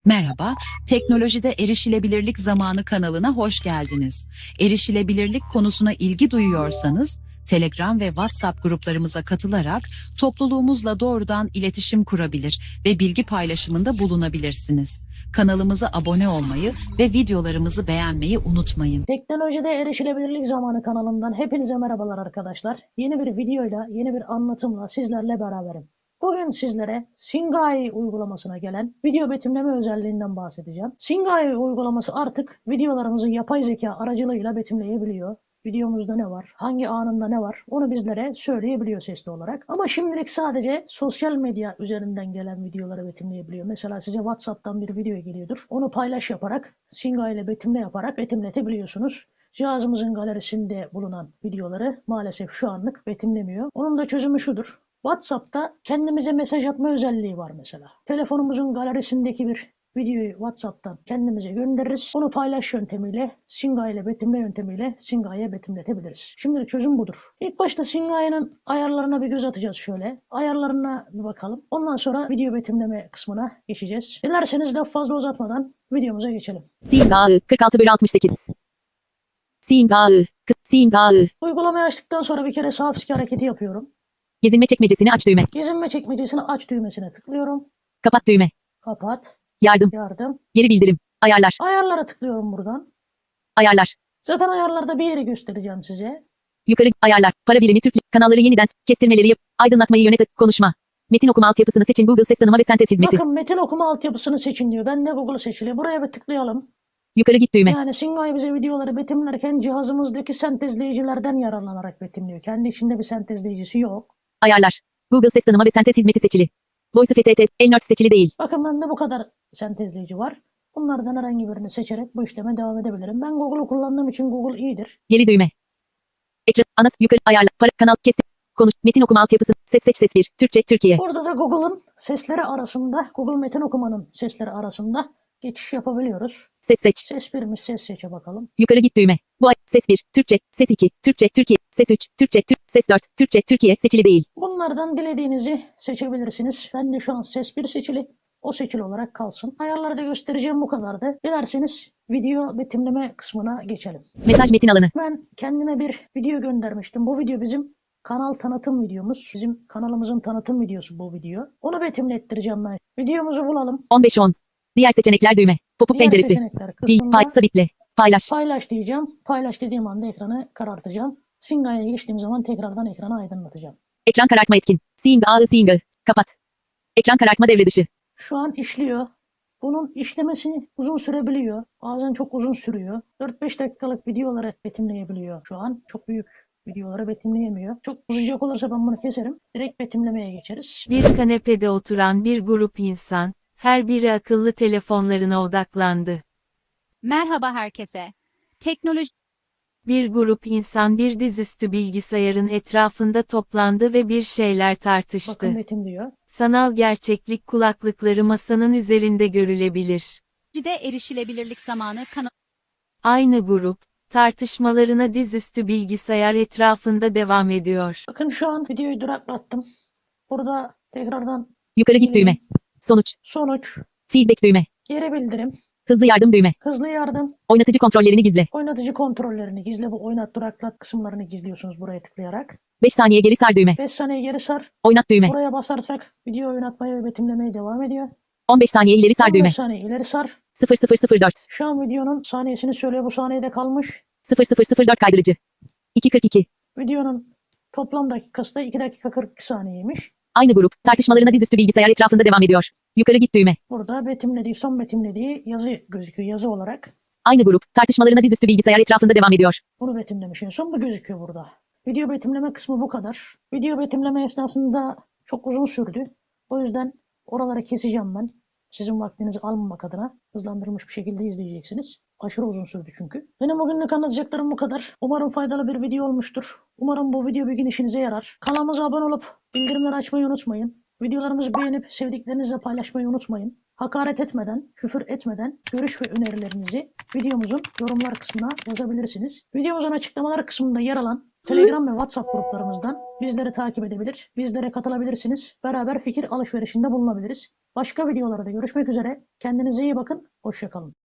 Merhaba, Teknolojide Erişilebilirlik Zamanı kanalına hoş geldiniz. Erişilebilirlik konusuna ilgi duyuyorsanız, Telegram ve WhatsApp gruplarımıza katılarak topluluğumuzla doğrudan iletişim kurabilir ve bilgi paylaşımında bulunabilirsiniz. Kanalımıza abone olmayı ve videolarımızı beğenmeyi unutmayın. Teknolojide Erişilebilirlik Zamanı kanalından hepinize merhabalar arkadaşlar. Yeni bir videoyla, yeni bir anlatımla sizlerle beraberim. Bugün sizlere Singai uygulamasına gelen video betimleme özelliğinden bahsedeceğim. Singai uygulaması artık videolarımızı yapay zeka aracılığıyla betimleyebiliyor. Videomuzda ne var, hangi anında ne var onu bizlere söyleyebiliyor sesli olarak. Ama şimdilik sadece sosyal medya üzerinden gelen videoları betimleyebiliyor. Mesela size WhatsApp'tan bir video geliyordur. Onu paylaş yaparak, Singai ile betimle yaparak betimletebiliyorsunuz. Cihazımızın galerisinde bulunan videoları maalesef şu anlık betimlemiyor. Onun da çözümü şudur. WhatsApp'ta kendimize mesaj atma özelliği var mesela. Telefonumuzun galerisindeki bir videoyu WhatsApp'tan kendimize göndeririz. Onu paylaş yöntemiyle, Singai ile betimle yöntemiyle Singai'ye betimletebiliriz. Şimdilik çözüm budur. İlk başta Singai'nin ayarlarına bir göz atacağız şöyle. Ayarlarına bir bakalım. Ondan sonra video betimleme kısmına geçeceğiz. Dilerseniz laf fazla uzatmadan videomuza geçelim. Singai 46/68. Singai. Uygulamayı açtıktan sonra bir kere sağ fiske hareketi yapıyorum. Gezinme çekmecesini aç düğme. Gezinme çekmecesini aç düğmesine tıklıyorum. Kapat düğme. Kapat. Yardım. Geri bildirim. Ayarlar. Ayarlara tıklıyorum buradan. Ayarlar. Zaten ayarlarda bir yeri göstereceğim size. Yukarı ayarlar. Para birimi Türk. Kanalları yeniden kestirmeleri yap. Aydınlatmayı yönet. Konuşma. Metin okuma altyapısını seçin. Google ses tanıma ve sentez hizmeti. Bakın metin okuma altyapısını seçin diyor. Ben de Google seçili. Buraya bir tıklayalım. Yukarı git düğme. Yani Singai bize videoları betimlerken cihazımızdaki sentezleyicilerden yararlanarak betimliyor. Kendi içinde bir sentezleyicisi yok. Ayarlar. Google ses tanıma ve sentez hizmeti seçili. Voice FTT. Elnört seçili değil. Bakın bende bu kadar sentezleyici var. Bunlardan herhangi birini seçerek bu işleme devam edebilirim. Ben Google'u kullandığım için Google iyidir. Geri düğme. Ekran. Anas. Yukarı ayarlar. Para. Kanal. Kestir. Konuş. Metin okuma altyapısı. Ses seç ses 1. Türkçe. Türkiye. Burada da Google'ın sesleri arasında, Google metin okumanın sesleri arasında geçiş yapabiliyoruz. Ses seç. Ses 1'miş, ses seçe bakalım. Yukarı git düğme. Bu ay ses 1, Türkçe, ses 2, Türkçe, Türkiye, ses 3, Türkçe, ses 4, Türkçe, Türkiye seçili değil. Bunlardan dilediğinizi seçebilirsiniz. Ben de şu an ses 1 seçili. O seçili olarak kalsın. Ayarlarda göstereceğim bu kadardı. Dilerseniz video betimleme kısmına geçelim. Mesaj metin alanı. Ben kendime bir video göndermiştim. Bu video bizim kanal tanıtım videomuz. Bizim kanalımızın tanıtım videosu bu video. Onu betimlettireceğim ben. Videomuzu bulalım. 15-10. Diğer seçenekler düğme. Pop-up Diğer penceresi. seçenekler Dil, kısmında sabitle. Paylaş. paylaş diyeceğim. Paylaş dediğim anda ekranı karartacağım. Singai'ye geçtiğim zaman tekrardan ekranı aydınlatacağım. Ekran karartma etkin. Singa. Kapat. Ekran karartma devre dışı. Şu an işliyor. Bunun işlemesi uzun sürebiliyor. Bazen çok uzun sürüyor. 4-5 dakikalık videoları betimleyebiliyor şu an. Çok büyük videoları betimleyemiyor. Çok uzayacak olursa ben bunu keserim. Direkt betimlemeye geçeriz. Bir kanepede oturan bir grup insan, her biri akıllı telefonlarına odaklandı. Merhaba herkese. Teknoloji Bir grup insan bir dizüstü bilgisayarın etrafında toplandı ve bir şeyler tartıştı. Bakın betimliyor. Sanal gerçeklik kulaklıkları masanın üzerinde görülebilir. de erişilebilirlik zamanı Aynı grup, tartışmalarına dizüstü bilgisayar etrafında devam ediyor. Bakın şu an videoyu duraklattım. Burada tekrardan Yukarı git düğme. Sonuç. sonuç, Feedback düğme. geri bildirim, Hızlı yardım düğme. hızlı yardım, Oynatıcı kontrollerini gizle. oynatıcı kontrollerini gizle. Bu oynat duraklat kısımlarını gizliyorsunuz buraya tıklayarak. 5 saniye geri sar düğme. 5 saniye geri sar. Oynat düğme. Buraya basarsak video oynatmaya ve betimlemeye devam ediyor. 15 saniye ileri sar 15 düğme. saniye ileri sar. 0004. Şu an videonun saniyesini söylüyor. Bu saniyede kalmış. 0004 kaydırıcı. 242. Videonun toplam dakikası da 2 dakika 42 saniyeymiş. Aynı grup, tartışmalarına dizüstü bilgisayar etrafında devam ediyor. Yukarı git düğme. Burada betimlediği, son betimlediği yazı gözüküyor. Yazı olarak Aynı grup, tartışmalarına dizüstü bilgisayar etrafında devam ediyor. bunu betimlemiş. En son bu gözüküyor burada. Video betimleme kısmı bu kadar. Video betimleme esnasında çok uzun sürdü. O yüzden oraları keseceğim ben. Sizin vaktinizi almamak adına hızlandırılmış bir şekilde izleyeceksiniz. Aşırı uzun sürdü çünkü. Benim bugünlük anlatacaklarım bu kadar. Umarım faydalı bir video olmuştur. Umarım bu video bir gün işinize yarar. Kanalımıza abone olup bildirimleri açmayı unutmayın. Videolarımızı beğenip sevdiklerinizle paylaşmayı unutmayın. Hakaret etmeden, küfür etmeden görüş ve önerilerinizi videomuzun yorumlar kısmına yazabilirsiniz. Videomuzun açıklamalar kısmında yer alan Telegram ve WhatsApp gruplarımızdan bizleri takip edebilir, bizlere katılabilirsiniz. Beraber fikir alışverişinde bulunabiliriz. Başka videolarda görüşmek üzere. Kendinize iyi bakın. Hoşça kalın.